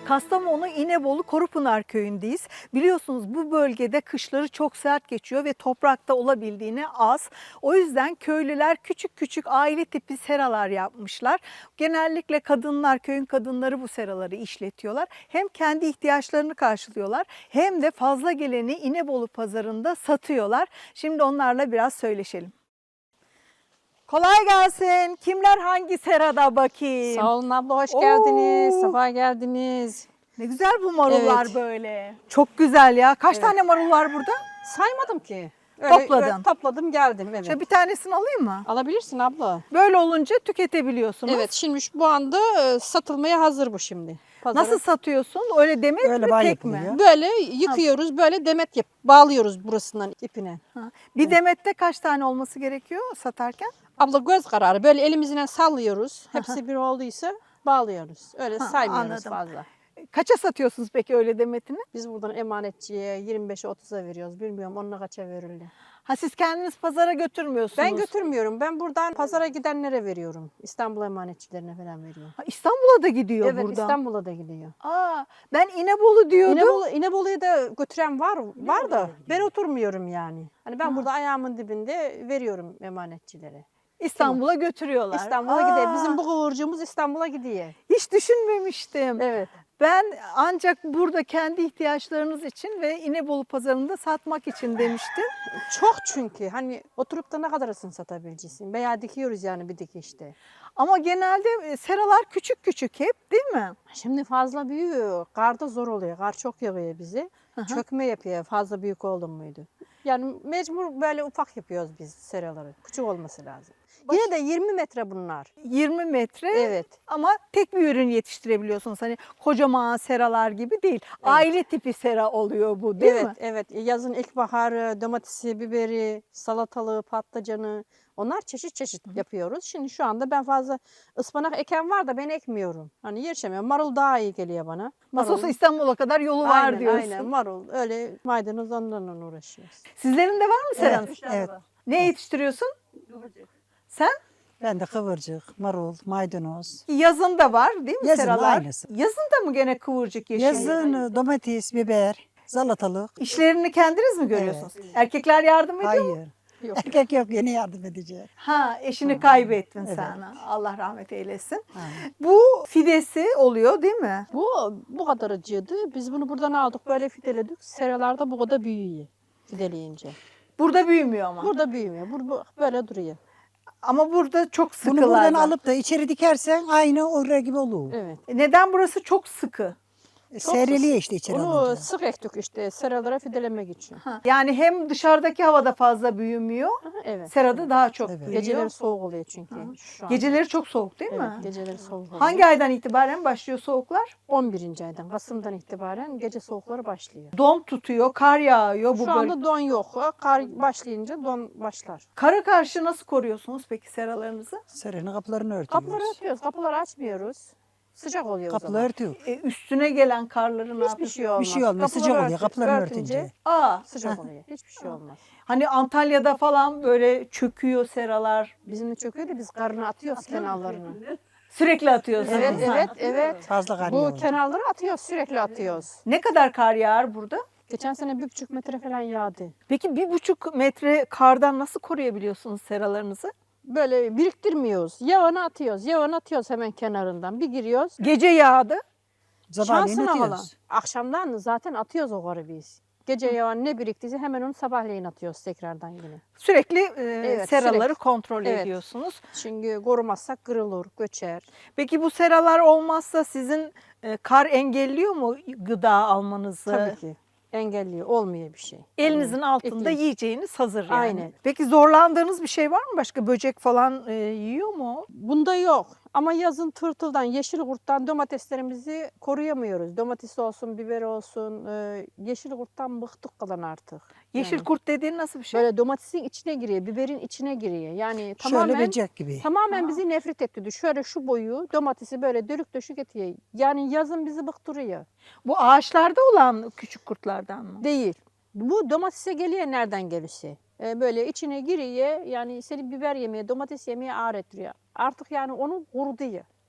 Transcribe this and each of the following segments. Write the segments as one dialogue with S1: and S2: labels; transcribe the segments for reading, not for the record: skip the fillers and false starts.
S1: Kastamonu İnebolu Korupınar köyündeyiz. Biliyorsunuz bu bölgede kışları çok sert geçiyor ve toprakta olabildiğine az. O yüzden köylüler küçük küçük aile tipi seralar yapmışlar. Genellikle kadınlar, köyün kadınları bu seraları işletiyorlar. Hem kendi ihtiyaçlarını karşılıyorlar hem de fazla geleni İnebolu pazarında satıyorlar. Şimdi onlarla biraz söyleşelim. Kolay gelsin. Kimler hangi serada bakayım?
S2: Sağ olun abla, hoş geldiniz.
S1: Oo.
S2: Sefa geldiniz.
S1: Ne güzel bu marullar
S2: Evet.
S1: böyle. Çok güzel ya. Kaç tane marul var burada?
S2: Saymadım ki.
S1: Topladın.
S2: Topladım geldim. Evet.
S1: Şöyle bir tanesini alayım mı?
S2: Alabilirsin abla.
S1: Böyle olunca tüketebiliyorsunuz.
S2: Evet, şimdi bu anda satılmaya hazır bu şimdi. Pazara.
S1: Nasıl satıyorsun? Öyle demet
S3: Öyle
S1: mi
S3: bağ
S1: tek mi?
S3: yapılıyor.
S2: Böyle yıkıyoruz, böyle demet bağlıyoruz burasından ipine.
S1: Ha. Bir demette kaç tane olması gerekiyor satarken?
S2: Abla göz kararı böyle elimizle sallıyoruz. Hepsi bir olduysa bağlıyoruz. Öyle saymıyoruz
S1: anladım.
S2: fazla.
S1: Kaça satıyorsunuz peki öyle demetini?
S2: Biz buradan emanetçiye 25'e 30'a veriyoruz. Bilmiyorum onunla kaça verirler.
S1: Ha siz kendiniz pazara götürmüyorsunuz.
S2: Ben götürmüyorum. Ben buradan pazara gidenlere veriyorum. İstanbul emanetçilerine falan veriyorum.
S1: Ha, İstanbul'a da gidiyor
S2: Evet,
S1: buradan.
S2: İstanbul'a da gidiyor.
S1: Aa, ben İnebolu diyordum.
S2: İnebolu'ya da götüren var da ben oturmuyorum yani. Hani ben burada ayağımın dibinde veriyorum emanetçilere.
S1: İstanbul'a götürüyorlar.
S2: İstanbul'a gidiyor. Bizim bu kıvırcığımız İstanbul'a gidiyor.
S1: Hiç düşünmemiştim.
S2: Evet.
S1: Ben ancak burada kendi ihtiyaçlarınız için ve İnebolu pazarında satmak için demiştim.
S2: Çok çünkü hani oturup da ne kadarısını satabileceksin? Veya dikiyoruz yani bir dikişte.
S1: Ama genelde seralar küçük küçük hep değil mi?
S2: Şimdi fazla büyüyor. Karda zor oluyor. Kar çok yağıyor bizi. Çökme yapıyor fazla büyük oldu muydu. Yani mecbur böyle ufak yapıyoruz biz seraları. Küçük olması lazım. Yine de 20 metre bunlar.
S1: 20 metre
S2: Evet.
S1: ama tek bir ürün yetiştirebiliyorsunuz. Hani kocaman seralar gibi değil. Aile tipi sera oluyor bu değil
S2: Evet,
S1: mi?
S2: evet. Yazın ilkbaharı, domatesi, biberi, salatalığı, patlıcanı onlar çeşit çeşit yapıyoruz. Şimdi şu anda ben fazla ıspanak eken var da ben ekmiyorum. Hani yetişemiyorum. Marul daha iyi geliyor bana.
S1: Nasıl olsa İstanbul'a kadar yolu var
S2: aynen,
S1: diyorsun.
S2: aynen marul. Öyle maydanoz ondan uğraşıyoruz.
S1: Sizlerin de var mı seranız?
S3: Evet.
S1: Ne yetiştiriyorsun? Sen?
S3: Ben de kıvırcık, marul, maydanoz.
S1: Yazın da var değil mi
S3: Yazın
S1: seralar?
S3: aynısı.
S1: Yazın da mı gene kıvırcık yeşil?
S3: Yazın domates, biber, salatalık.
S1: İşlerini kendiniz mi görüyorsunuz? Erkekler yardım ediyor mu?
S3: Hayır.
S2: Yok.
S3: Erkek yok, yeni yardım edecek.
S1: Ha, eşini kaybettin
S3: Evet.
S1: sen. Allah rahmet eylesin.
S3: Aynen.
S1: Bu fidesi oluyor değil mi?
S2: Bu kadar acıydı. Biz bunu buradan aldık böyle fideledik. Seralarda bu kadar büyüyor fideleyince.
S1: Burada büyümüyor ama.
S2: Burada büyümüyor. Bu böyle duruyor.
S1: Ama burada çok sıkılar.
S3: Bunu buradan
S1: var.
S3: alıp da içeri dikersen aynı oraya gibi olur.
S2: Evet.
S1: Neden burası çok sıkı?
S3: Seyreliyor işte içeri
S2: Onu
S3: alınca.
S2: sık ektik işte seralara fidelemek için.
S1: Ha, yani hem dışarıdaki havada fazla büyümüyor,
S2: Evet.
S1: serada daha çok
S3: Evet.
S1: büyüyor.
S2: Geceleri soğuk oluyor çünkü şu an.
S1: Geceleri çok soğuk değil
S2: Evet,
S1: mi?
S2: geceleri soğuk oluyor.
S1: Hangi aydan itibaren başlıyor soğuklar?
S2: 11. aydan, Kasım'dan itibaren gece soğukları başlıyor.
S1: Don tutuyor, kar yağıyor. Bu
S2: Şu anda don yok. Kar başlayınca don başlar.
S1: Kara karşı nasıl koruyorsunuz peki seralarınızı?
S3: Serenin kapılarını örtüyoruz.
S2: Kapıları açıyoruz, kapıları açmıyoruz. Sıcak oluyor o
S3: Kapıları
S2: zaman.
S3: örtüyor.
S1: Üstüne gelen karları ne
S2: Hiçbir
S1: yapıyorsunuz?
S2: şey olmaz.
S3: Bir şey olmaz, sıcak oluyor kapılarını örtünce.
S1: Aa,
S2: Sıcak oluyor. Hiçbir şey olmaz.
S1: hani Antalya'da falan böyle çöküyor seralar.
S2: Bizim de çöküyor da biz karını atıyoruz kenarlarını.
S1: Sürekli atıyorsunuz.
S2: Evet,
S1: Ha.
S2: evet, evet.
S3: Fazla kar
S2: Bu
S3: yağıyor.
S2: kenarları atıyoruz, sürekli atıyoruz.
S1: Ne kadar kar yağar burada?
S2: Geçen sene 1,5 metre falan yağdı.
S1: Peki 1,5 metre kardan nasıl koruyabiliyorsunuz seralarınızı?
S2: Böyle biriktirmiyoruz. Yağını atıyoruz. Yağını atıyoruz hemen kenarından. Bir giriyoruz.
S1: Gece yağdı.
S3: Sabahleyin
S2: Şansına falan.
S3: atıyoruz.
S2: Akşamdan zaten atıyoruz o karı biz. Gece yağını ne biriktiyse hemen onu sabahleyin atıyoruz tekrardan yine.
S1: Sürekli
S2: Evet,
S1: seraları
S2: sürekli.
S1: kontrol
S2: Evet.
S1: ediyorsunuz.
S2: Çünkü korumazsak kırılır, göçer.
S1: Peki bu seralar olmazsa sizin kar engelliyor mu gıda almanızı?
S2: Tabii ki. Engelliyor. Olmuyor bir şey.
S1: Elinizin altında
S2: İklim.
S1: yiyeceğiniz hazır yani.
S2: Aynen.
S1: Peki zorlandığınız bir şey var mı? Başka böcek falan yiyor mu?
S2: Bunda yok. Ama yazın tırtıldan, yeşil kurttan domateslerimizi koruyamıyoruz. Domates olsun, biber olsun. Yeşil kurttan bıktık kalan artık.
S1: Yeşil
S2: Yani
S1: kurt dediğin nasıl bir şey?
S2: böyle domatesin içine giriyor, biberin içine giriyor. Yani
S3: Şöyle
S2: tamamen
S3: böcek gibi.
S2: tamamen bizi nefret etti. Şöyle şu boyu domatesi böyle dölük döşük ediyor. Yani yazın bizi bıktırıyor.
S1: Bu ağaçlarda olan küçük kurtlardan mı?
S2: Değil. Bu domatese geliyor nereden gelirse. Böyle içine giriyor yani seni biber yemeye, domates yemeye ağır ettiriyor. Artık yani onu kuruduyor.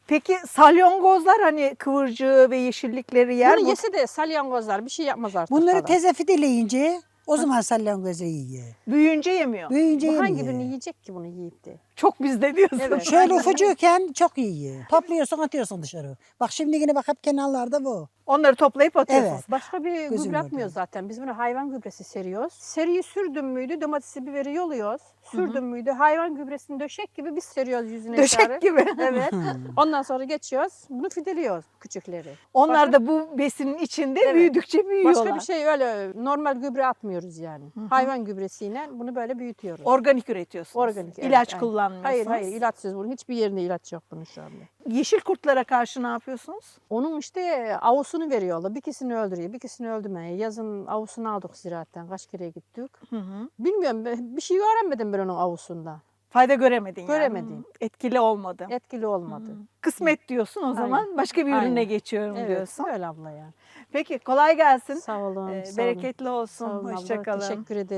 S1: Peki salyangozlar hani kıvırcığı ve yeşillikleri yer
S2: Bunu
S1: mi?
S2: yese de salyangozlar bir şey yapmaz artık.
S3: Bunları
S2: falan.
S3: teze fidileyince o zaman salyangozu yiyor.
S1: Büyüyünce yemiyor.
S3: Büyüyünce
S2: Bu
S3: yemiyor.
S2: hangi birini yiyecek ki bunu yiyip de?
S1: Çok bizde diyorsun.
S2: Evet.
S3: Şöyle ufucukken çok yiyor. Topluyorsun atıyorsun dışarı. Bak şimdi yine bak hep kenarlarda bu.
S1: Onları toplayıp atıyorsunuz.
S3: Evet.
S2: Başka bir
S3: Gözüm
S2: gübre atmıyoruz zaten. Biz bunu hayvan gübresi seriyoruz. Seriyi sürdüm müydü domatesi biberi yoluyoruz. Sürdüm müydü hayvan gübresini döşek gibi biz seriyoruz yüzüne.
S1: Döşek gibi.
S2: Evet. Ondan sonra geçiyoruz. Bunu fideliyoruz küçükleri.
S1: Onlar da bu besinin içinde
S2: Evet.
S1: büyüdükçe büyüyorlar.
S2: Başka bir şey öyle normal gübre atmıyoruz yani. Hayvan gübresiyle bunu böyle büyütüyoruz.
S1: Organik üretiyorsunuz.
S2: Organik. evet,
S1: İlaç
S2: aynen.
S1: kullanmıyorsunuz.
S2: Hayır ilaçsız bunun. Hiçbir yerinde ilaç yok bunun şu anda.
S1: Yeşil kurtlara karşı ne yapıyorsunuz?
S2: Onun işte avusunu veriyorlar. Bir ikisini öldürüyor, bir ikisini öldürmüyor. Yazın avusunu aldık ziraatten. Kaç kere gittik. Bilmiyorum bir şey öğrenmedim ben onun avusundan.
S1: Fayda göremedin yani.
S2: Göremedim.
S1: Etkili olmadı.
S2: Etkili olmadı.
S1: Kısmet diyorsun o zaman. Başka bir ürüne
S2: Aynen.
S1: geçiyorum
S2: Evet,
S1: diyorsun.
S2: öyle abla ya.
S1: Peki kolay gelsin.
S2: Sağ olun. sağ olun.
S1: Bereketli olsun.
S2: Sağ olun abla,
S1: Hoşça kalın.
S2: Teşekkür ederim.